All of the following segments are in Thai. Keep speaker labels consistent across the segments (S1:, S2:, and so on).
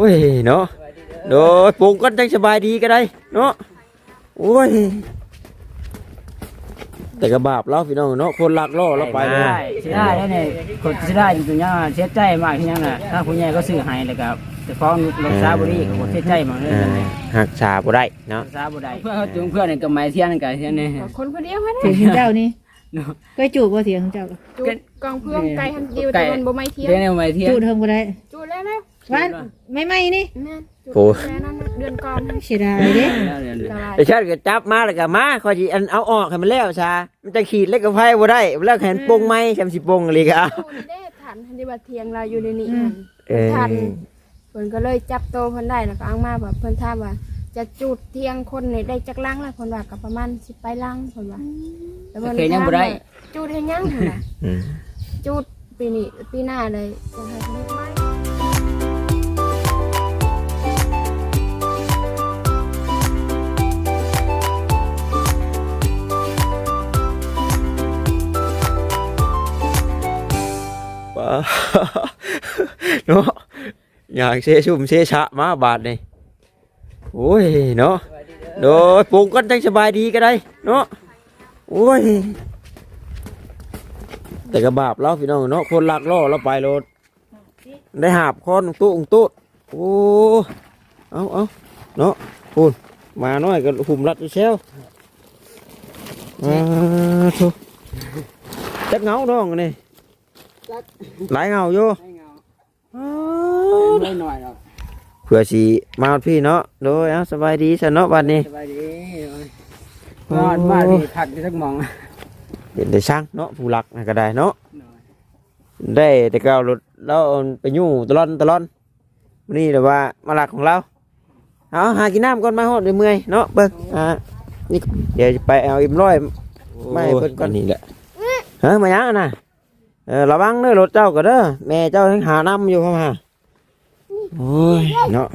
S1: ยเนาะโดยปลูกกันจังสบายดีก็ได้เนาะโอ้ยแต่กระบาปเราพี่น้องเนาะคนลักล่อเราไปเลย
S2: เสียได้เนี่ยคนเสียได้จริงๆเนี่ยเสียใจมากที่ยังน่ะถ้าผู้ใหญ่ก็ซื้อให้เลยครับแต่ฟ้องรักษาบุรีก็เสียใจมากเลย
S1: หักษาบ่ได้เนาะ
S2: รักษาบุได้เพื่อนเขาจูงเพื่อนกับไม้เทียนกับเทียนนี่
S3: คนเดียวฮะ
S4: เสียงเจ้านี่ก็จูบว่าเสียงเจ้า
S3: จูบกองเพื่อนไก่ทันเดียวแต่มันบ่ไม้เทียน
S2: ไม้เทียน
S4: จูบเทิงก็ได้
S3: จูบแล้วนะ
S4: ว่าไม่นี่
S3: โอ้เดือนก่อน
S4: เสียดายเด้
S1: แต่ชาติก็จับมาแล้วก็มาคอยสิอันเอาออกให้มันแล้วซะมันจะขีดเล็กกับไฟบ่ได้แล้วแขนปงไม้แคมสิปงอะไรก็เอา
S3: ได้ทันที่ว่าเทียงเราอยู่ในนี้ทันเพิ่นก็เลยจับโตเพิ่นได้แล้วก็เอามาแบบเพิ่นถามว่าจะจุดเทียงคนนี่ได้จักลังแล้วเพิ่นว่าก็ประมาณ10ไปลังเพิ่นว่า
S2: แล้วมันยังบ่ได้
S3: จุดให้ยังเพิ่นน่ะจุดปีนี้ปีหน้าเลยจะให้เฮ็ดไหม
S1: เนาะอยากเชชุ่มเชชะมาบาดนี่โอ้ยเนาะโดยปลูกกันจังสบายดีก็ได้เนาะโอ้ยแต่กระบาปเราพี่น้องเนาะคนลักล่อเราไปรถได้หาบคอนตุ้งโอ้เอาเนาะพูนมาหน่อยก็หุ่มรัดเชลทุจักเงาดองนี่หลายเงาอยู่
S2: ไม่หน่อยหรอก
S1: เผื่อสีมาพี่เนาะโดยเอาสบายดีสนเนาะวันนี้
S2: สบายดีบ้านที่ผักที่สักมอง
S1: เห็นได้ช่างเนาะผู้หลักก็ได้เนาะได้แต่ก็รถเราไปยู่ตลอดนี่แต่ว่ามาหลักของเราเอาหากินน้ำก่อนมาหอดเมื่อยเนาะเบิ้งนี่เดี๋ยวไปเอาอิ่มร้อยไม่เบิ้งก่อนนี่แหละมายังนะระวังเด้อรถเจ้าก็เด้อแม่เจ้าทั้งหาน้ำอยู่เข้ามาโอ้ยเนาะ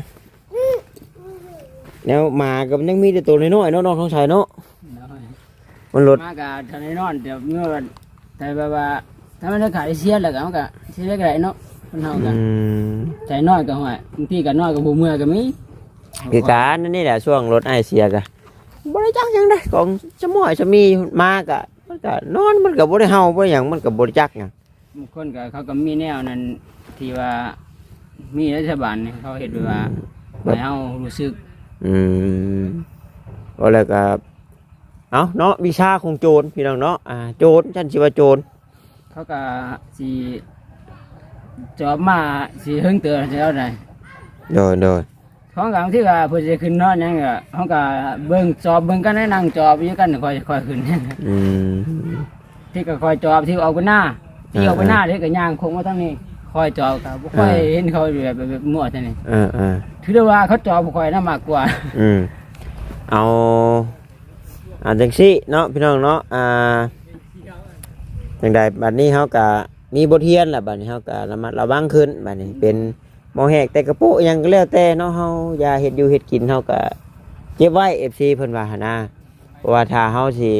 S1: แนวมากับยังมีแต่ตัวน้อยๆเนาะน้องท้องชายเนาะมันรถ
S2: มากับทนายนอนเดี๋ยวเมื่อแต่แบบว่าถ้ามันจะขายเสียแล้วก็มันก็เสียได้เนาะคนเฮากันใจน้อยก็ห่วยบางทีก็น้อยก็บ่เมื่อก็มี
S1: คือการนี่แหละช่วงรถไอเสียกะบริจาคยังได้ของสมอยสมีมากะมันก็นอนมันก็บ่ได้เฮาบ่อย่างมันก็บริจาคหยัง
S2: บางคนก็เขาก็มีแนวนั้นที่ว่ามีรัฐบาลเขาเห็นว่าให้เฮารู้สึก
S1: ก็แล้วก็เอาเนาะวิชาของโจรพี่น้องเนาะโจรฉันสิว่าโจร
S2: เขาก็สิจอบมาสิหึงเตือนแล้วได้
S1: โดย
S2: ของกลางที่ว่าเพิ่นสิขึ้นนอนหยังก็เฮาก็เบิ่งจอบเบิ่งกันนั่งจอบอยู่กันค่อยขึ้นที่ก็ค่อยจอบที่ออกไปหน้าที่ออกไปหน้าที่ก็ย่างคงมาทั้งนี้ค่อยจอบก็บ่ค่อยเห็นเขาแบบมั่วจังนี่ถือว่าเขาจอบบ่ค่อยน่ามากกว่า
S1: เอาจังซี่เนาะพี่น้องเนาะจังใดบัดนี้เฮาก็มีบทเรียนแหละบัดนี้เฮาก็ระมัดระวังขึ้นบัดนี้เป็นมองแหกแต่กระโปะยังก็แล้วแต่เนาะเฮาอย่าเฮ็ดอยู่เฮ็ดกินเฮาก็เก็บไว้ FC เพิ่นว่าหั่นนะเพราะว่าถ้าเฮาสิ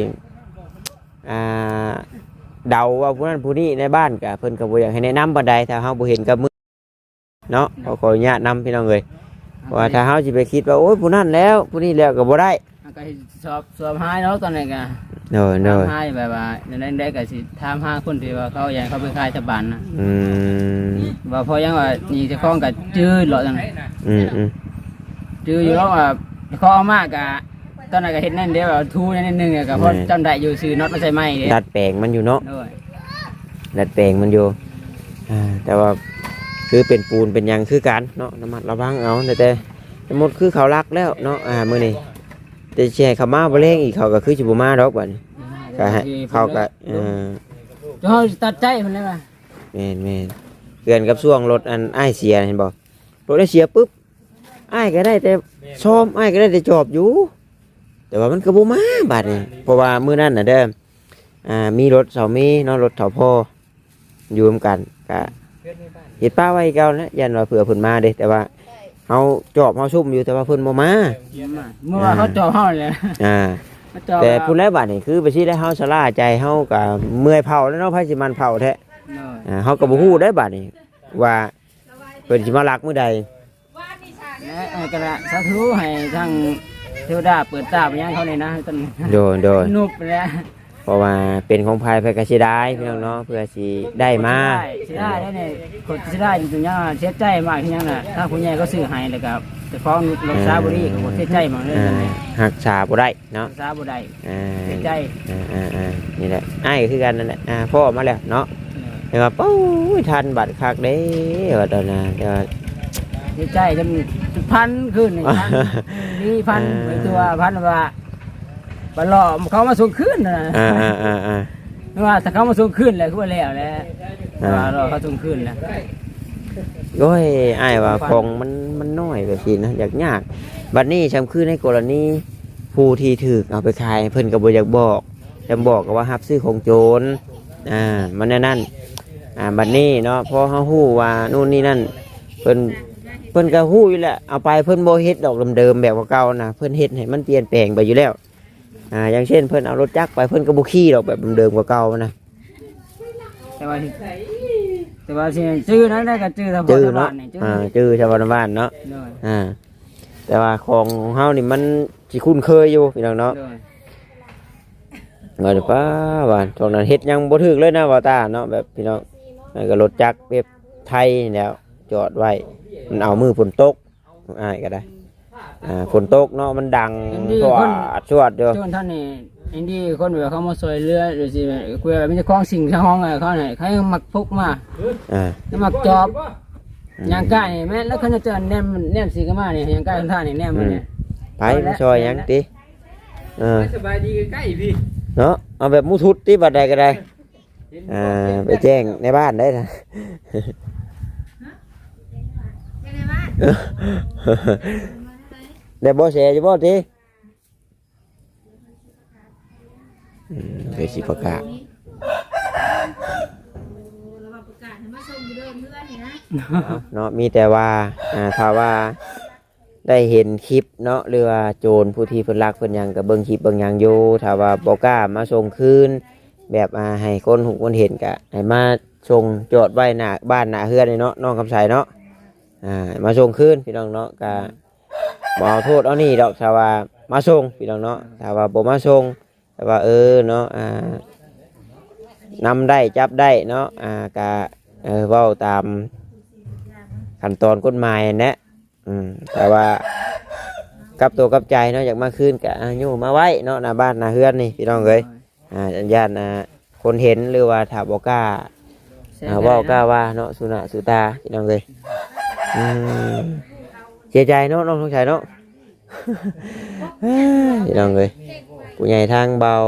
S1: เดาว่าผู้นั้นผู้นี้ในบ้านก็เพิ่นก็บ่อยากให้แนะนำปานใดถ้าเฮาบ่เห็นกับมือเนาะขออนุญาตนำพี่น้องเอ้ยว่าถ้าเฮาสิไปคิดว่าโอ้ยผู้นั้นแล้วผู้นี้แล้วก็บ่ได้
S2: ก็สอบหาเนาะตอนนี้ก็หาแบบว่าได้ก็สิถามหาคนที่ว่าเขาอยากเขาเป็นข้าราชการนะว่าพอยังว่านี่จะคล้องกับจื้อหรอจังจื้ออยู่แล้วว่าข้อมากกะตอนนั้นก็เห็นนั่นเดียวทูนั่นนึงก็เพราะจำได้อยู่ซื้อน็อตมาใส่ไม้
S1: ดัดแปลงมันอยู่เนาะดัดแปลงมันอยู่แต่ว่าคือเป็นปูนเป็นยังคือกันเนาะระมัดระวังเอาแต่สมมติคือเขารักแล้วเนาะมื้อนี้แต่แช่เขามาบ่แรงอีกเขาก็คือสิบ่มาดอกบัดนี้ก็ให้เขาก็
S2: เฮาตัดใจเพิ่นเลยว่า
S1: แม่นเกินกับช่วงรถอันอ้ายเสียเห็นบ่รถได้เสียปุ๊บอ้ายก็ได้แต่ซ่อมอ้ายก็ได้แต่จอบอยู่แต่ว่ามันก็บ่มาบัดนี้เพราะว่ามื้อนั้นน่ะเด้อมีรถเสามีเนาะรถเฒ่าพ่ออยู่ร่วมกันก็เฮ็ดป้าไว้เก่านะยันว่าเผื่อเพิ่นมาเด้แต่ว่าเฮาจอบเฮาซุ่มอยู่แต่ว่าเพิ่นบ่มา
S2: เมื่อว่าเขาจอบเฮาเลย
S1: แต่ผู้ใดบัดนี่คือไปสิได้เฮาสลาใจเฮาก็เมื่อยเผาแล้วเนาะไผสิมันเผาแท้เฮาก็บ่ฮู้ได้บัดนี้ว่าเพิ่นสิมาลักมื้อใด
S2: และกระสาธุให้ทั้งเทวดาเปิดตาไปยังเขาเลยนะต้น
S1: โดย
S2: นุบแล้ว
S1: เพราะว่าเป็นของภายเพื่อกสิได้พี่น้องเนาะเพื่อสิได้มา
S2: สิได้แล้วเนี่ยคนสิได้จริงๆเสียใจมากที่ยังน่ะถ้าคุณยายก็ซื้อให้เลยครับแต่ฟ้องลงซาบุรีก็เสียใจมากเลย
S1: หักษาบ่ได้เนาะ
S2: ซาบุได้
S1: อ่า
S2: เสียใจ
S1: นี่แหละอ้ายก็คือกันนั่นแหละพ่อมาแล้วเนาะแต่ว่าปู้ยทันบัตรคักเด้ว่าตอนนั้นแต่ว่า
S2: เสียใจจนพันขึ้นนี่พันนี่พันไปตัวพันว่าบอลอเขามาส่งขึ้นนะ ไม่ว่าถ้าเขามาส่งขึ้นเลยคือว่าแล้วแหละว่ารอเขาส่งขึ้นแล้ว
S1: โอ้ยอ้ายว่าของมันน้อยแบบนี้นะอยากยากบัดนี้ชำคือในกรณีผู้ที่ถูกเอาไปขายเพิ่นก็บ่อยากบอกจำบอกก็ว่ารับซื้อของโจรมันนั่นบัดนี้เนาะพอเฮาฮู้ว่านู่นนี่นั่นเพิ่นก็ฮู้อยู่แหละเอาไปเพิ่นบ่เฮ็ดดอกเดิมๆแบบเก่าๆนะเพิ่นเฮ็ดให้มันเปลี่ยนแปลงไปอยู่แล้วอย่างเช่นเพิ่นเอารถจักรไปเพิ่นก็บ่ขี่ดอกแบบเดิมๆเก่าๆนะ
S2: แต่ว่าสิชื่อนั้นได้ก็ชื่อทางบ้านนี่
S1: ชื่อชาวบ้านเนาะแต่ว่าของเฮานี่มันสิคุ้นเคยอยู่พี่น้องเนาะว่าป้าว่าตรงนั้นเฮ็ดยังบ่ถึกเลยนะว่าตาเนาะแบบพี่น้องแล้วก็รถจักรแบบไทยแล้วจอดไว้มันเอามือฝนตกก็ได้ฝนตกเนาะมันดังสวดอยู่
S2: จนท่านนี่อินดี้คนแบบเขามาซอยเรือหรือสิคุยแบบมีเจ้าของสิ่งที่ห้องเขาเนี่ยเขามักพกมามักจอบยางก้านี่แม่แล้วเขาจะเจอแนมสีกันมาเนี่ยยางก้าท่านนี่แนมมาเนี่ย
S1: ไปมาซอยยังติ
S2: สบายดีใกล้พี่
S1: เนาะเอาแบบมุทุดที่บัดใดก็ได้ไปแจ้งในบ้านได้นะได้บ่เสียอยู่บ่ติเคยสิประกาศเนาะมีแต่ว่าถ้าว่าได้เห็นคลิปเนาะหรือว่าโจรผู้ที่เพิ่นรักเพิ่นหยังก็เบิ่งคลิปเบิ่งหยังอยู่ถ้าว่าบ่กล้ามาส่งคืนแบบให้คนหูคนเห็นก็ให้มาส่งจอดไว้หน้าบ้านหน้าเฮือนนี่เนาะน้องคำไสเนาะมาส่งคืนพี่น้องเนาะก็บ่เอาโทษเอานี่ดอกถ้าว่ามาส่งพี่น้องเนาะถ้าว่าบ่มาส่งแต่ว่าเนาะนำได้จับได้เนาะก็เว้าตามขั้นตอนกฎหมายนะแต่ว่ากับตัวกับใจเนาะอยากมาคืนกับอยู่มาไว้เนาะหน้าบ้านหน้าเฮือนนี่พี่น้องเอ้ยญาติคนเห็นหรือว่าถ้าบ่กล้าเว้ากล้าว่าเนาะสุนัขสุตาพี่น้องเอ้ยเสียใจเนาะน้องสงสัยเนาะ พี่น้องเอ้ยผู้ใหญ่ทางเบา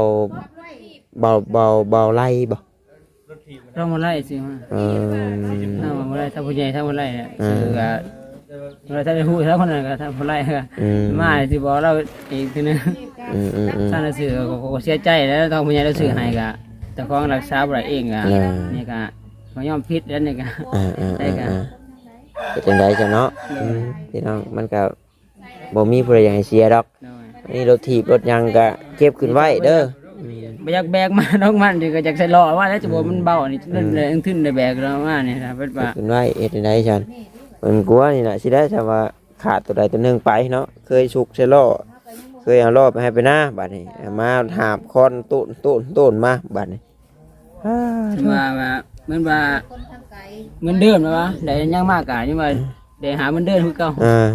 S1: ไล่บ่
S2: เรามาไล่สิฮะถ้ามาไล่ถ้าผู้ใหญ่ถ้ามาไล่เนี่ยคือเราถ้าไปพูดถ้าคนนั้นก็ถ้ามาไล่ก็มาสิบอกเราอีกทีนึงถ้าเราสื่อก็เสียใจแล้วต้องผู้ใหญ่เราสื่อให้ก็แต่ของรักษาบ่ได้เองก็นี่ก็เขายอมพิษแล้วนี่ก็ได้ก็
S1: เป็นไดจังเนาะพี่น้องมันก็บ่มีผู้ใดอยากให้เสียดอกนี่รถถีบรถยังก็เก็บขึ้นไว้เด้อ
S2: ไม่อยากแบกมาน้องมันดิก็อยากใส่ล้อว่าแล้วจะบอกมันเบานี่นั่นเลยขึ้นได้แบกเรามาเนี่ยนะเป็นว่า
S1: ขึ้นไว้เฮ็ดได้ฉันมันกลัวนี่น่ะสิได้ถ้าว่าขาดตัวใดตัวหนึงไปเนาะเคยสุกใส่ล้อเคยเอาล้อไปให้ไปหน้าบัดนี้มาหาบคอนต้นมาบัดนี้
S2: ว่าเหมือนว่าเหมือนเดิมนะวะได้ยังมากกะยังว่าได้หาเหมือนเดิมคือเก่า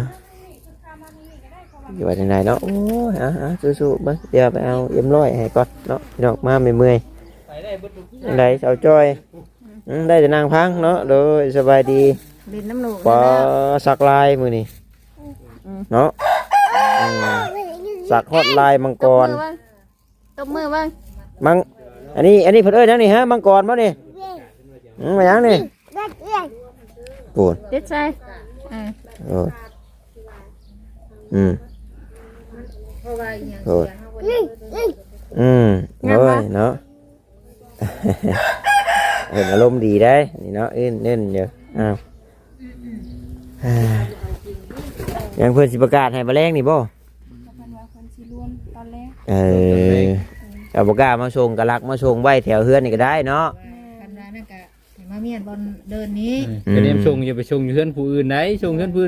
S1: อยู่ว่าจังไดเนาะโอ้ยสู้ๆเบิ่งเดี๋ยวไปเอาเอ็มร้อยให้ก่อนเนาะพี่น้องมาเมื่อยๆจังไดเสาจ้อยได้แต่นางพังเนาะโดยสบายดี
S4: ดินน้ำหนู
S1: ปอสักลายมือนี่เนาะสักฮอดลายมังกร
S3: ตบมือบ้าง
S1: มังอันนี้เพิ่นยังนี่ฮะมังกรบ่นี่มายังนี่ปูน
S3: เด็ดใจ
S1: โอ้โอ้โอ้ยเนาะเห็นอารมณ์ดีได้นี่เนาะเล่นเยอะยังเพื่อนสิประกาศให้มาแรงนี่บ่เอาประกาศมาส่งกระลักมาส่งไว้แถวเฮือนนี่ก็ได้เนาะ
S4: กันนั่นก็มาเมียนบอลเดินนี้
S2: ก็เดี๋ยวส่งอย่าไปส่งเฮือนผู้อื่นไหนส่งเฮือนผู้อื่น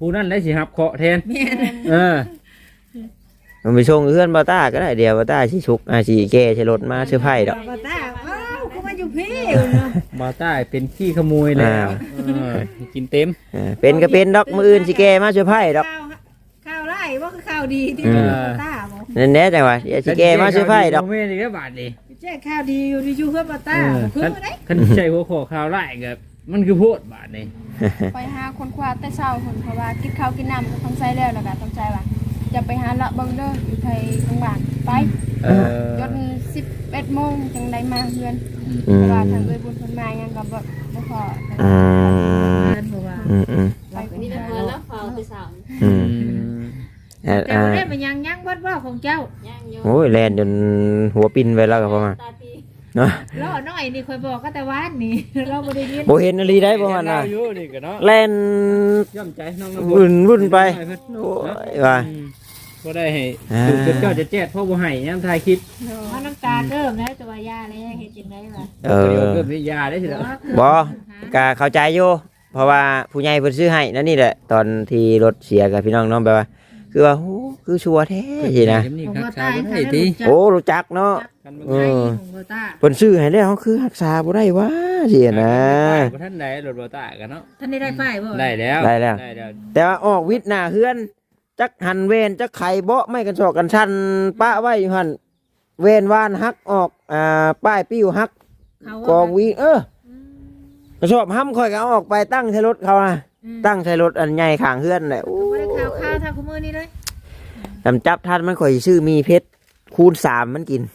S2: ผู้นั้นได้สิรับเคราะห์แทนเออ
S1: มันไปส่งเพื่อนบ่ต้าก็ได้เดี๋ยวบ่ต้าสิชุกสิแก้ใช้รถมาซื้อไผ่ดอก
S4: บ่ตาอ้าวก็มาอยู่พี่เนาะ
S2: บ่ต้าเป็นขี้ขโมยแล้วกินเต็ม
S1: เป็นก็เป็นดอกมื้ออื่นสิแก้มาซื้อไผ่ดอก
S4: ข่าวไล่ว่าคือข่าวดีที่
S1: อืม
S4: บ่ตาบ่
S1: นั่นแหละจังว่าเดี๋ยวสิแก้มาซื้อไผ่ดอก
S2: แม่นี่ก็บาดนี่
S4: แจ้งข่าวดีอยู่ที่อยู่เพื่อนบ่ตาคือบ่ได้
S2: คันใจหัวข้อข่าวร้ายก็มันคือโพดบาดนี่
S3: ไปหาคนคว้าแต่เช้าคนเพราะว่ากินข้าวกินน้ำก็ต้องใช้แล้วแล้วก็ต้องใจว่าจะไปหาละเบิ่งเด้ออยู่ไทยโรงพยาบาลไป จน11 โมงจังได้มาเฮือนเพราะว่าทางเอ้ยบุญเพิ่นมายังก็บ่พอ
S1: อืม
S4: เพราะว่า
S3: ไปคน
S5: นี่
S3: เดี
S5: เป็
S3: ย
S5: น
S3: ว
S5: เงินแล้วเฝ้าคือสาว
S4: แต่บ่ได้มันยังบ่ว่าของเจ้า
S5: ย่างโย
S1: โอ้ยแล่นจนหัวปิ้นไปแล้วก็ประมาณ
S5: ตาตี
S1: เนาะ
S4: ล้อน้อยนี่ค่อยบอกก็แต่วานนี่เราบ่ได้ยิน
S1: บ่เห็นอะไรได้ประมาณน่ะ
S2: อยู่นี่ก็เนาะ
S1: แล่น
S2: ย่อมใจน้อง
S1: วุ่นไปโอ้ยว่า
S2: ก็ได้ให้ถึงเจ้าจะแจ้งพ่อบ่ให้ยังทายคิด
S4: ว่าน้ำตาเริ่มแล้วแต่ว่ายาแล้วเฮ็ดจังได๋ล่ะ
S2: เดี๋ยวเกิดวิทยาได้สิแล้ว
S1: บ่ก็เข้าใจอยู่เพราะว่าผู้ใหญ่เพิ่นซื้อให้นั่นนี่แหละตอนที่รถเสียกับพี่น้องเนาะแบบว่าคือว่าโอ้คือชัวร์แท้สินะ
S4: ของบ่
S2: รักษา
S4: ตา
S2: บ่ได้ติ
S1: โอ้รู้จักเนาะ
S4: เออของบ่ตา
S1: เพิ่นซื้อให้แล้วเขาคือรักษาบ่ได้วะสินะ
S2: บ่ทันได้รถบ่ตากันเนาะ
S4: ท่านได้ไฟบ่
S2: ได้แล้ว
S1: แต่ว่าออกวิทย์หน้าเฮือนจักหันเวนจักไข่เบาะไม่กันศอกกันชันปะไว้อยู่หั่นเวนวานหักออกป้ายปิ้วหักกองวีกระสอบห้ำค่อยก็เอาออกไปตั้งใช้รถเขานะตั้งใช้รถอันใหญ่ข้างเฮือนแหละโอ้
S4: บ่ได้ข่าวทางคุมื้อนี้เลย
S1: จำจับท่านมันค่อยชื่อมีเพชรคูณ3มันกิน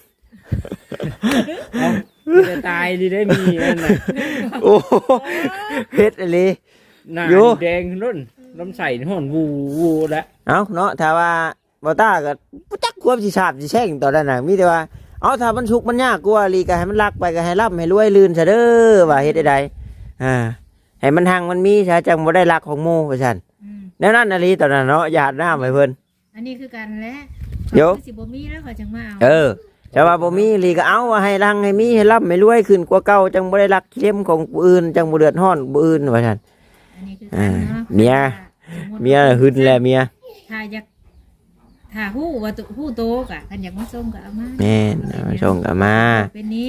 S2: จะตายดีได้มีนั่นน่ะ
S1: โอ้เพชรอะไร
S2: หน้า
S1: อยู่
S2: แดงรุ่นน้ำใส่ห่อนวูแล้ว
S1: เอาเนาะถ้าว่าบอต้าก็บ่จักควบสิสาบสิแช่งตอนนั้นน่ะมีแต่ว่าเอาถ้ามันชุกมันยากกว่าลีก็ให้มันรักไปก็ให้ร่ำให้รวยลื่นซะเด้อว่าเฮ็ดได้ให้มันหังมันมีซะจังบ่ได้รักของหมู่ว่าซั่นแนวนั้นน่ะลีตอนนั้นเนาะหยาดน้ำให้เพิ่น
S4: อันนี้คือกันแหละ
S1: เดี๋ยว
S4: สิบ่มีแล้วเขาจังมาเอา
S1: แต่ว่าบ่มีลีก็เอาว่าให้รังให้มีให้ร่ำให้รวยขึ้นกว่าเก่าจังบ่ได้รักเข้มของผู้อื่นจังบ่เดือดร้อนผู้อื่นว่าซั่น
S4: อันนี้คือกันเนาะ
S1: เมียหึนแลเมีย
S4: ถ้าอยากถ้าฮู้ว่าฮู้โตกะคันอยากมาส่งก็เอามา
S1: แม่นเอาส่งกลับมา
S4: เป็นนี้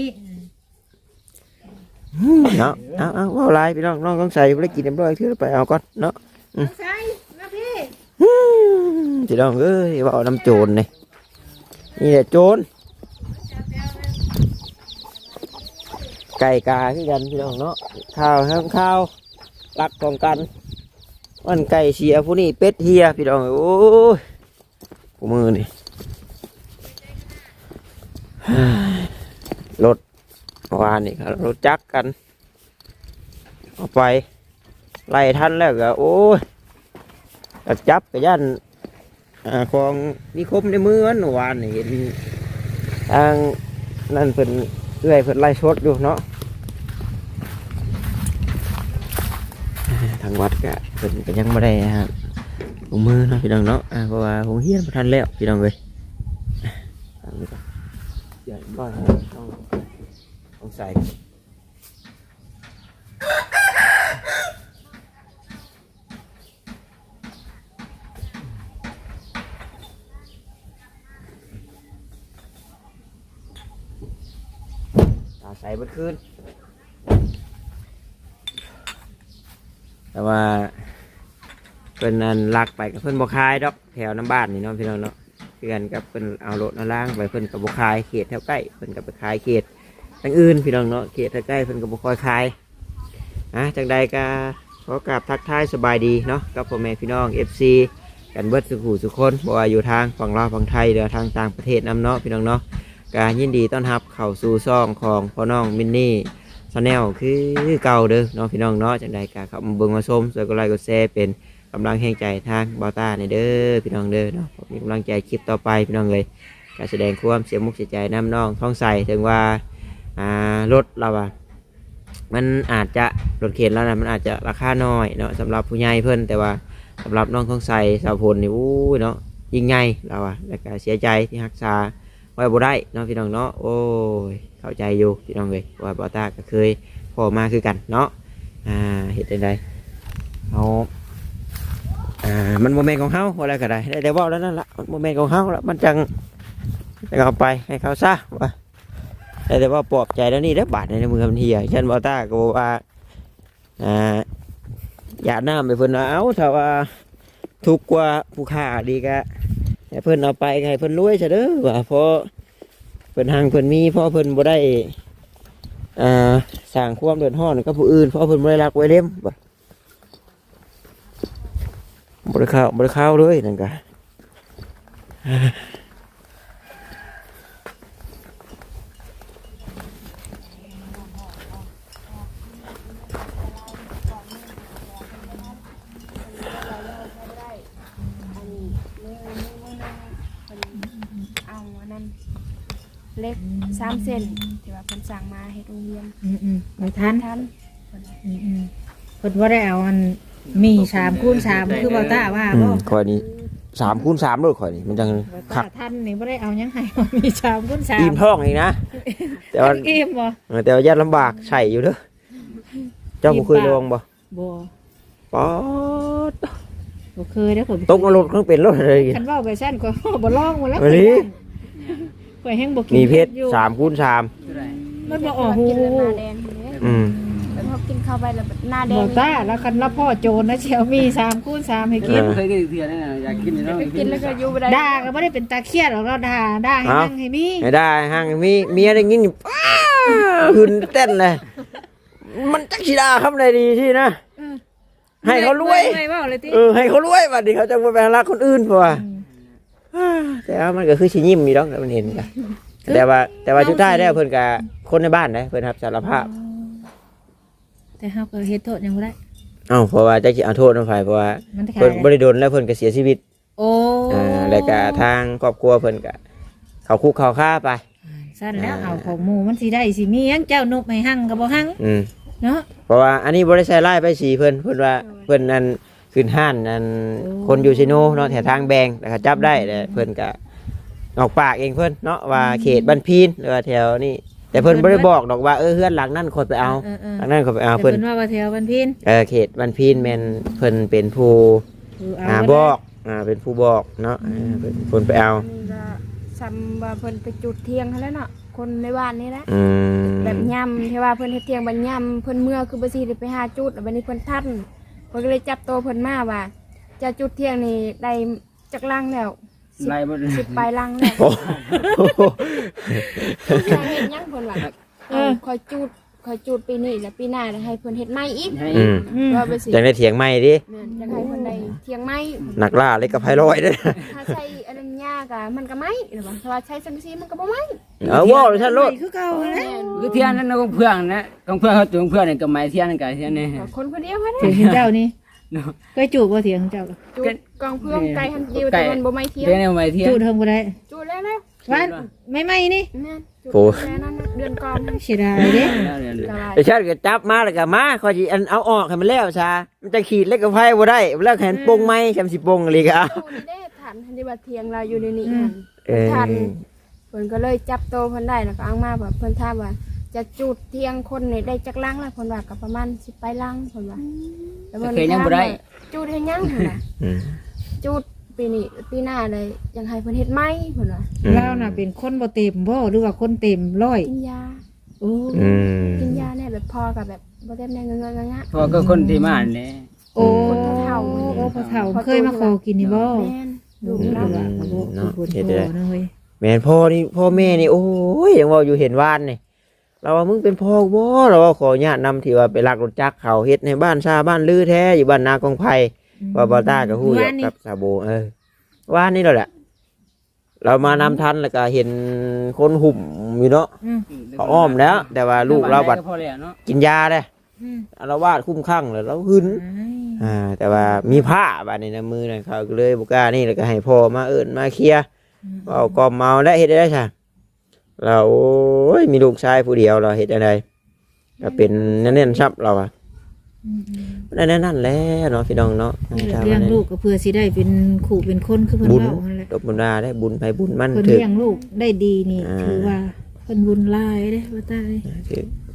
S1: เนาะเอาว่าอะไรพี่น้องต้องใส่ไปกินเรียบร้อยเถื่อไปเอาก่อนเนาะ
S4: ใส่มาพี่
S1: พี่น้องเอ้ยว่าเอาน้ำโจรนี่แหละโจรไก่กาคือกันพี่น้องเนาะข้าวทั้งข้าวรักของกันวันไก่เสียผู้นี้เป็ดเฮียพี่น้องโอ้ยกูมือนี่รถวานนี่ครับรถจักรกันเอาไปไล่ทันแล้วก็โอ้ยกระจับกระยันของมีคมในมือวันวานนี่เห็นทางนั่นเพิ่นเอื้อยเพิ่นไล่ชดอยู่เนาะทางวัดก็เพิ่นก็ยังไม่ได้ฮะลงมือเนาะพี่น้องเนาะเพราะว่าผมเฮียนบ่ทันแล้วพี่น้องเลยใหญ่บ้านต้องใส่ใส่เมื่อคืนแต่ว่าเพิ่นนั่นลักไปกับเพิ่นบ่คายดอกแถวน้ำบ้านนี่เนาะพี่น้องเนาะเพื่อนกับเพิ่นเอารถมาล้างไปเพิ่นกับบ่คายเขตแถวใกล้เพิ่นกับไปคายเขตทางอื่นพี่น้องเนาะเขตแถวใกล้เพิ่นกับบ่คอยคายจังใดก็ขอกราบทักทายสบายดีเนาะกับพ่อแม่พี่น้อง FC กันเบิดสุขุสุคนบ่ว่าอยู่ทางฝั่งลาวฝั่งไทยหรือทางต่างประเทศนำเนาะพี่น้องเนาะการยินดีต้อนรับเข้าสู่ซ่องของพ่อน้องมินนี่ชาแนลคือเก่าเด้อเนาะพี่น้องเนาะจังใดก็เข้ามาเบิ่งมาชมช่วยกดไลค์กดแชร์เป็นกำลังแห่งใจทางบอต้าในเด้อพี่น้องเด้อเนาะมีกำลังใจคลิปต่อไปพี่น้องเลยการแสดงความเสียมุกเสียใจน้ำน้องท้องใสถึงว่ารถเรามันอาจจะรถเข็นแล้วนะมันอาจจะราคาน้อยเนาะสำหรับผู้ใหญ่เพิ่นแต่ว่าสำหรับน้องท้องใสสาวพลนี่อู้เนาะยิ่งใหญ่เราแล้วก็เสียใจที่รักษาไว้บ่ได้เนาะพี่น้องเนาะโอ้ยเข้าใจอยู่พี่น้องเลยว่าบอต้าก็เคยพอมาคือกันเนาะเหตุใดเอามันโมเมนต์ของเฮาอะไรก็ได้แต่ว่าแล้วนั่นละโมเมนต์ของเฮาแล้วมันจังเอาไปให้เขาซะว่าแต่ว่าปลอบใจแล้วนี่ได้บาดในมือมันเหี่ยฉันบอกตาก็บอกว่าอย่าน้ำไปเพิ่นเอาถ้าว่าทุกข์กว่าผู้ค้าดีกะให้เพิ่นเอาไปให้เพิ่นรวยซะเด้อว่าเพราะเพิ่นหังเพิ่นมีเพราะเพิ่นบ่ได้สร้างความเดือดร้อนกับผู้อื่นเพราะเพิ่นบ่ได้รักไว้เล่มบ่ได้เข้าเลยนั่นกะ
S3: เล็ก3 เซนที่ว่าเพิ่นสั่งมาให้โรงเรียน
S4: ไม่ทัน
S3: ทัน
S4: เพิ่นว่าได้เอาอันมี3x3คือบ่ตาว่าบ่
S1: ข่อยนี่3x3เลยข่อยนี่มันจังคัก
S4: ทันนี่บ่ได้เอาหยังให้มี3x3
S1: อิ่มท้องอีกนะแต่ว่า
S4: อิ่มบ่
S1: แต่ว่าญาติลำบากใช่อยู่เด้อเจ้าบ่เคยลองบ่
S4: บ่
S1: ป๊อด
S4: บ่เคยเด้อข่อย
S1: ตกนรกเครื่องเป็นรถอะไร
S4: คันเว้าไปซั่นก็บ่ลองหมดแล้ว
S1: วันนี้
S4: ข่อยแฮงบ่กิน
S1: มีเพชร3x3
S4: มันบ่ออกหู
S3: กินแล้วหน้าแดงเลย แล้วพอกินเข้าไปแล้วแบบหน้าแด
S4: บ่
S3: ง
S4: ตาแล้วคันละพ่อโจรนะเชียวมี3x3ให้กิน
S2: เคยกินเถื่อนนั่นน่ะอยากกินเนาะ
S3: กินแล้วก็อยู่บ่ได้
S4: ด่าก็บ่ได้เป็นตาเครียดหรอกเราด่าให้นั่งให้มี
S1: ไม่ได้ห้างมีเมียได้ยินป้าขึ้นเต้นเลยมันจักสิดาคำใดดีที่นะให้เขารวย
S4: ไม่เว้าเลยติ
S1: ให้เขารวยบัดนี้เขาจะไปรักคนอื่นเพราะว่าแต่ว่ามันก็คือชิยิ้มมีดอกมันเห็นกันแต่ว่าชุดท้ายได้เพิ่นกับคนในบ้านได้เพิ่นรับสารภาพ
S4: แต่เฮาก็เฮ็ดโทษยังบ่ได้
S1: เพราะว่าจะเอาโทษน้องไฟเพราะว่าเพิ่นบ่ได้โดนแล้วเพิ่นก็เสียชีวิต
S4: โอ้
S1: แล้วก็ทางครอบครัวเพิ่นก็เขาคุกเขาฆ่าไป
S4: สั่นแล้วเอาของหมู่มันสิได้สิมีหยังเจ้านกให้หั่งก็บ่หั่งเนาะ
S1: เพราะว่าอันนี้บ่ได้ใช้ไล่ไปสีเพิ่นว่าเพิ่นนั่นขึ้นห้านนั่นคนอยู่ซิโนเนาะแถวทางแบงแล้วก็จับได้แต่เพิ่นก็ออกปากเองเพิ่นเนาะว่าเขตบ้านพีนหรือว่าแถวนี้แต่เพิ่นบ่ได้บอกดอกว่าเฮือนหลังนั้นคนไปเอาหลังนั้นคนไปเอาเพิ่น
S4: ว่าแถวบ้านพิน
S1: เขตบ้านพีนแม่นเพิ่นเป็นผู้บอกเป็นผู้บอกเนาะเป็นคนไปเอา
S3: นี่ก็ซ้ำว่าเพิ่นไปจุดเทียงเขาแล้วเนาะคนในบ้านนี่แหละ แบบย่ำที่ว่าเพิ่นเฮ็ดเทียงบัดย่ำเพิ่นเมื่อคือบ่สิได้ไปหาจุดแล้วบัดนี้เพิ่นทันเพิ่นก็เลยจับตัวเพิ่นมาว่าจะจุดเทียงนี่ได้จักลังแล้ว10 ปลายลังแล้วเฮ็ดหยังเพิ่นว่าคอยจุดปีนี้แล้วปีหน้าให้เพิ่นเฮ็ดใหม่อีกว่าไปสิ
S1: จังได้เถียงใหม่ดิ
S3: อยากให้เพิ่นได้เทียงใหม่
S1: นักล่าเล็กกับไผลอยเด้อ
S3: ถ้าใช้อันนั้นยากอ่ะมันก็ไหม้หรือว่าถ้าว่าใช้สังกะสีมันก็บ่ไหม้
S1: ว้าวท่านโลด
S4: คือเก่าแล้ว
S2: คือเทียนนั่นของเพื่อนนะของเพื่อนเขาจุงเพื่อนนี่ก็ไม้เทียนกันเทียนนี่
S3: คนคนเดียวค่ะ
S4: เถียงเจ้านี่เคยจูบบ่เถียงเจ้า
S3: จุดกองเพื่อนไกลหันเดียวแต่มันบ่ไหม้เทียง
S2: เทียนนี่ไม้เทียน
S4: จูบเทิงบ่ได้
S3: จุดแล้วแล้ว
S4: ว่าไม่นี่
S3: เนี่ยจุดแล้วนั่นเดือนก่อน
S4: เสียดายเด้
S1: ไอ้ชาติก็จับมาแล้วก็มาขอสิอันเอาออกให้มันแล้วซะมันจะขีดเล็กกับไผบ่ได้แล้วแขนปงไม้จำสิปงเลยก็เอา
S3: อยู่นี่ทันที่ว่าเทียงเราอยู่ในนี้ทันเพิ่นก็เลยจับโตเพิ่นได้แล้วก็เอามาแบบเพิ่นถามว่าจะจุดเทียงคนนี่ได้จักลังแล้วเพิ่นว่าก็ประมาณ10 ปลายลังเพิ่นว่าแล้วเพิ่นยังบ่ได้จุดให้ยังเพิ่นว่าจุดปีนี้ปีหน้าเลยยังให้เพิ่นเฮ็ดใหม่เพิ่นว่า
S4: เราน่ะเป็นคนบ่เต็มบ่หรือว่าคนเต็มร้อย
S3: กินยา
S4: โอ้
S3: กินยาเนี่ยแบบพอกับแบบบ่เต็มแรงเงงะ
S2: พอก็คนที่มาเนี่ย
S4: โอ้พ่อเฒ่าเคยมาขอกินนี่บ่
S3: แม่นดู
S4: เรา
S3: แล้ว
S4: เนาะเฮ็ดได้นะเว้ย
S1: แม่นพ่อนี่พ่อแม่นี่โอ้ยยังว่าอยู่เห็นวานนี่เราว่ามึงเป็นพ่อบ่เราว่าขออนุญาตนำที่ว่าไปลักรถจักรเขาเฮ็ดในบ้านชาบ้านลือแท้อยู่บ้านนากองไผ่ว่าบ่ต้าก็ฮู้อยู่กับซาโบว่านนี่แล้วแหละเรามานำทันแล้วก็เห็นคนหุ่มอยู่เนาะเขาอ้อมแล้ว แต่ว่าลูกเราบัดกินยาเลยอาละวาดคุ้มข้างเลยเราหึนแต่ว่ามีผ้าบาดในมือนั่นเขาก็เลยบุกล้านี่แล้วก็ให้พ่อมาเอิ้นมาเคลียร์เอากอมเมาและเฮ็ดได้ใช่เราโอ้ยมีลูกชายผู้เดียวเราเฮ็ดอะไรก็เป็นแน่นๆซับเราอะนั่นแหละเนาะพี่น้องเนาะ
S4: เลี้ยงลูกก็เพื่อสิได้เป็นขู่เป็นคนคือเพิ่น
S1: บุญ
S4: เว้านั่นแหละ
S1: ตบบุญนาได้บุญไปบุญมั่น
S4: เพิ่น
S1: ถือ
S4: เลี้ยงลูกได้ดีนี่ถือว่าเพิ่นบุญหลายเด้ว่าตาย
S1: ถือ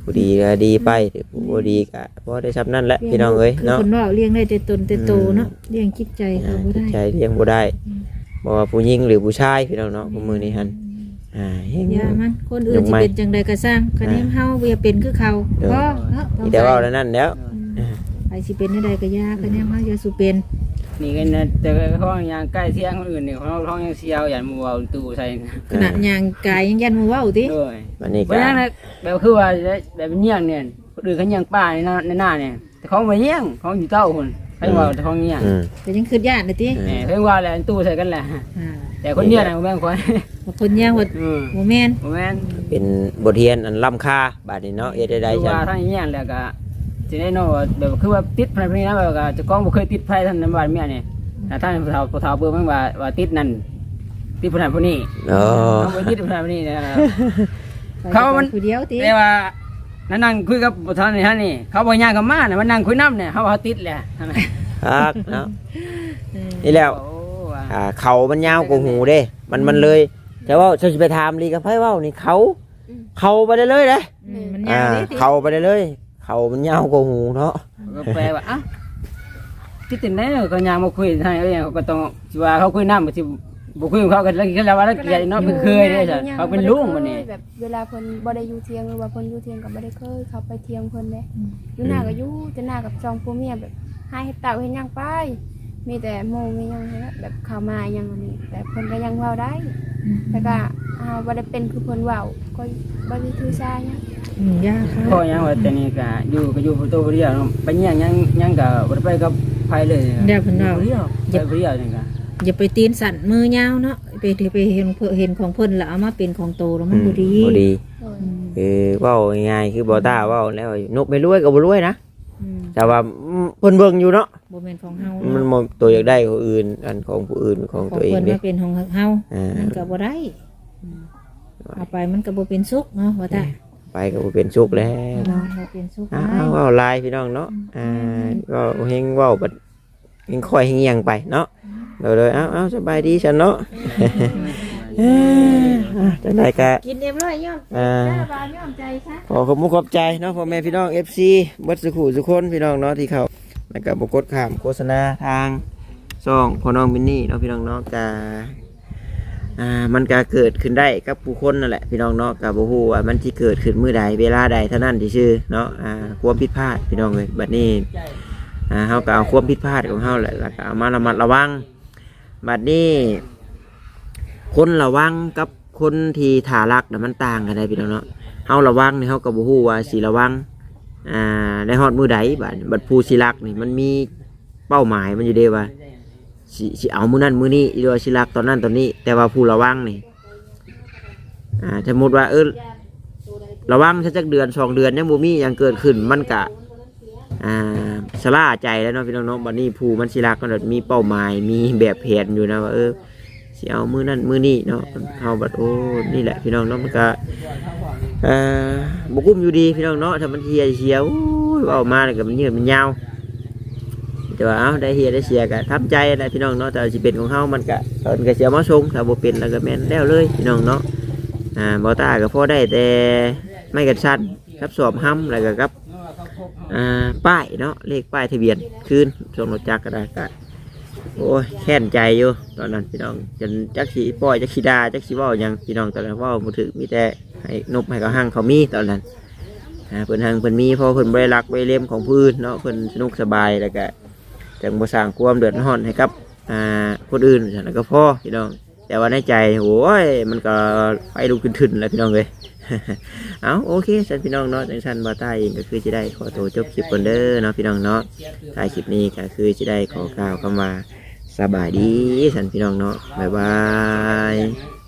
S1: ผู้ดีก็ดีไปผู้บ่ดีก็บ่ได้ซ้ำนั่นแหละพี่น้องเอ้ย
S4: คือ
S1: เนาะ
S4: คนว่าเลี้ยงได้แต่ตนแต่โตเนาะเลี้ยงจิตใจเขาบ่ได้
S1: ใจเลี้ยงบ่ได้บ่ว่าผู้หญิงหรือผู้ชายพี่น้องเนาะผู้มือนี้หั่นเฮง
S4: อย่ามันคนอื่นสิเป็นจังใดก็สร้างคะแนนเฮาอย่าเป็นคือเขาพอเนาะ
S1: มีแต่เว้าแล้วนั่นแล้ว
S4: ไปสิเป็นจังใดก็อย่าคะแนนเฮาอย่าสุเป็น
S2: นี่ก็นะแต่เขายังใกล้เที่ยงคนอื่นนี่เขายังเสียวอย่างมัวตู้ใส่
S4: ขนาดย่างกายยังยันมือเว้าติ
S2: ด้วย
S1: วันนี้
S2: เพ
S1: ก็
S2: ราะฉะนั้นแบบคือว่าแบบเงี้ยงเนี่ยคนอื่นเขาเงี้ยงป้าในหน้าเนี่ยแต่เขาไม่เงี้ยงเขาอยู่เต้าคนเขาว่าแต่เขาเงี้ยง
S4: แต่ยังคือย่านน่ะติ
S2: เพิ่งว่าแหละตู้ใส่กันแหละ
S4: อ่า
S2: แต่คนเงี้ยนะแม่งคน
S4: บางคนย่างว่าบ่แม่น
S2: แม่น
S1: เป็นบทเรียนอันล้ำค่าบาดนี้เนาะเอ็ดได้
S2: คือ
S1: จัง
S2: ว่าท่านเงี้ยแล้วก็จะได้นอแบบคือว่าติดภายในนั้นแบบจะกล้องบ่เคยติดไฟท่านในบ้านเมียเนี่ยท่านผู้เฒ่าเบิ่งมันว่าติดนั่นติดผู้นั้นผู้นี้
S1: อ๋อ
S2: เขาไปติดผู้นั้นผู้นี้นะ
S4: เขา
S2: เขามัน
S4: ผู้เดียวติ
S2: แต่ว่านั่งคุยกับท่านนี่ฮะนี่เขาบอกย่างกับมาเนี่ยมันนั่งคุยน้ำเนี่ยเขาว่าติดแหละ
S1: ครับเนาะนี่แล้ว
S2: โอ้ว่า
S1: เขามันยาวกว่าหูเด้ มันเลยแต่ว่าจะไปถามลีกับไพ่เว้านี่เขาไปได้เลยเด้
S4: มันยาวติ
S1: เขาไปได้เลยเขามันยาวกว่าหูเนาะ
S2: ก็แปลว่าอ้าวที่ติดไหนก็ย่างมาคุยให้เขาก็ต้องว่าเขาคุยน้ำที่บุคุยกับเขากันแล้วว่าแล้วเกลียดเนาะเป็นเคยเลยจ้ะเขาเป็นลุงมันนี่
S3: แบบเวลาเพิ่นบ่ได้อยู่เที่ยงหรือว่าเพิ่นอยู่เที่ยงก็บ่ได้เคยเขาไปเที่ยงเพิ่นเด้อยู่หน้าก็อยู่แต่หน้ากับสองผัวเมียแบบให้เฮ็ดเต่าเฮ็ดหยังไปมีแต่โมงมีหยังแบบเข้ามาหยังอันนี้แต่เพิ่นก็ยังเว้าได้แต่ก็บ่ได้เป็นคือเพิ่นเว้าก็บ่ได้ถือสาหยัง
S4: ยากค่ะ
S2: พ่อยังว่าแต่นี่ก็อยู่ตัวเดียวไปเงี้ยยังก็บ่ได้ไปกับไผเลย
S4: เดี๋ยวเพิ่นเว้า
S2: เดียวไปเดียวนี่ก็
S4: อย่าไปตีนสั่นมือยาวเนาะไปเห็นของเพิ่นแล้วเอามาเป็นของโตแล้วมันบ่ดี
S1: บ่ดี
S3: โดย
S1: คือเว้าง่ายๆคือบ่ต้าเว้าแล้วนกไม่รวยก็บ่รวยนะ แต่ว่าเพิ่นเบิ่งอยู่เนาะ
S4: บ่แม่นของเฮา
S1: มันบ่ตัวอยากได้ของอื่นอันของผู้อื่นของ
S4: ของ
S1: ตัวเอง
S4: เพิ่น
S1: เด้
S4: มาเป็นของเฮามันก็บ่ได้เอาไปมันก็บ่เป็นสุขเนาะว่าแต่
S1: ไปก็บ่เป็นสุขแล้ว
S4: เนาะบ่เป็นสุข
S1: เว้าลายพี่น้องเนาะก็เฮงเว้าบัดเฮงค่อยเฮงเอียงไปเนาะเลยเอาสบายดีฉันเนาะจังได๋ก็
S4: กินเรียบร้อยย่อม
S3: บานย่อมใจซะ
S1: ขอขอบคุณขอบใจเนาะพ่อแม่พี่น้อง FC บัดสุขุสุคนพี่น้องเนาะที่เขาแล้วก็บ่กดข้ามโฆษณาทางช่องพ่อน้องมินนี่เนาะพี่น้องเนาะก็มันก็เกิดขึ้นได้กับผู้คนนั่นแหละพี่น้องเนาะก็บ่ฮู้ว่ามันสิเกิดขึ้นมื้อใดเวลาใดเท่านั้นที่ชื่อเนาะความผิดพลาดพี่น้องเอ้ยบัดนี้เฮาก็เอาความผิดพลาดของเฮาแหละแล้วก็เอามาระมัดระวังบัดนี้คนระวังกับคนที่ถ่ารักน่ะมันต่างกันได้พี่น้องเนาะเฮาระวังนี่เฮาก็บ่ฮู้ว่าสิระวังได้ฮอดมื้อใดบัดผู้สิรักนี่มันมีเป้าหมายมันอยู่เด้ว่าสิเอามื้อนั้นมื้อนี้หรือว่าสิรักตอนนั้นตอนนี้แต่ว่าผู้ระวังนี่สมมุติว่าระวังสักเดือน2เดือนยังบ่มีหยังเกิดขึ้นมันก็สลาใจแล้วเนาะพี่น้องเนาะบัดนี้ผู้มันสิรักก็มีเป้าหมายมีแบบแผนอยู่นะว่าสิเอามื้อนั้นมื้อนี้เนาะเฮาบัดโอ้นี่แหละพี่น้องเนาะมันก็บ่กุ้มอยู่ดีพี่น้องเนาะถ้ามันเฮียเสียเว้ามาแล้วก็มันยืดมันยาวแต่ว่าได้เฮียได้เสียก็ทำใจนะพี่น้องเนาะแต่สิเป็นของเฮามันก็เสียมาส่งถ้าบ่เป็นแล้วก็แม่นแล้วเลยพี่น้องเนาะบ่ตาก็พอได้แต่ไม่กันสั้นครับสอบห้ำแล้วก็ครับป้ายเนาะเลขป้ายทะเบียนคืนส่งรถจักรก็ได้ก็โอ้ยแค้นใจอยู่ตอนนั้นพี่น้องจนจักสีปล่อยจักสีดาจักสีว่ายังพี่น้องตอนนั้นว่ามือถือมีแต่ให้นบให้เขาหั่งเขามีตอนนั้นเพิ่นหั่งเพิ่นมีเพราะเพิ่นบริรักบริเล่มของพื้นเนาะเพิ่นสนุกสบายแล้วก็จังบ่สร้างความเดือดร้อนให้กับคนอื่นแล้วก็พ่อพี่น้องแต่ว่าในใจโอ้ยมันก็ไปลุกขึ้นๆแล้วพี่น้องเลย เอาโอเคสันพี่น้องเนาะจังสันบาต้าเองก็คือจะได้ขอตัวจบคลิปก่อนเด้อเนาะพี่น้องเนาะท้ายคลิปนี้ก็คือจะได้ขอกล่าวคำว่าสบายดีสันพี่น้องเนาะบ๊ายบาย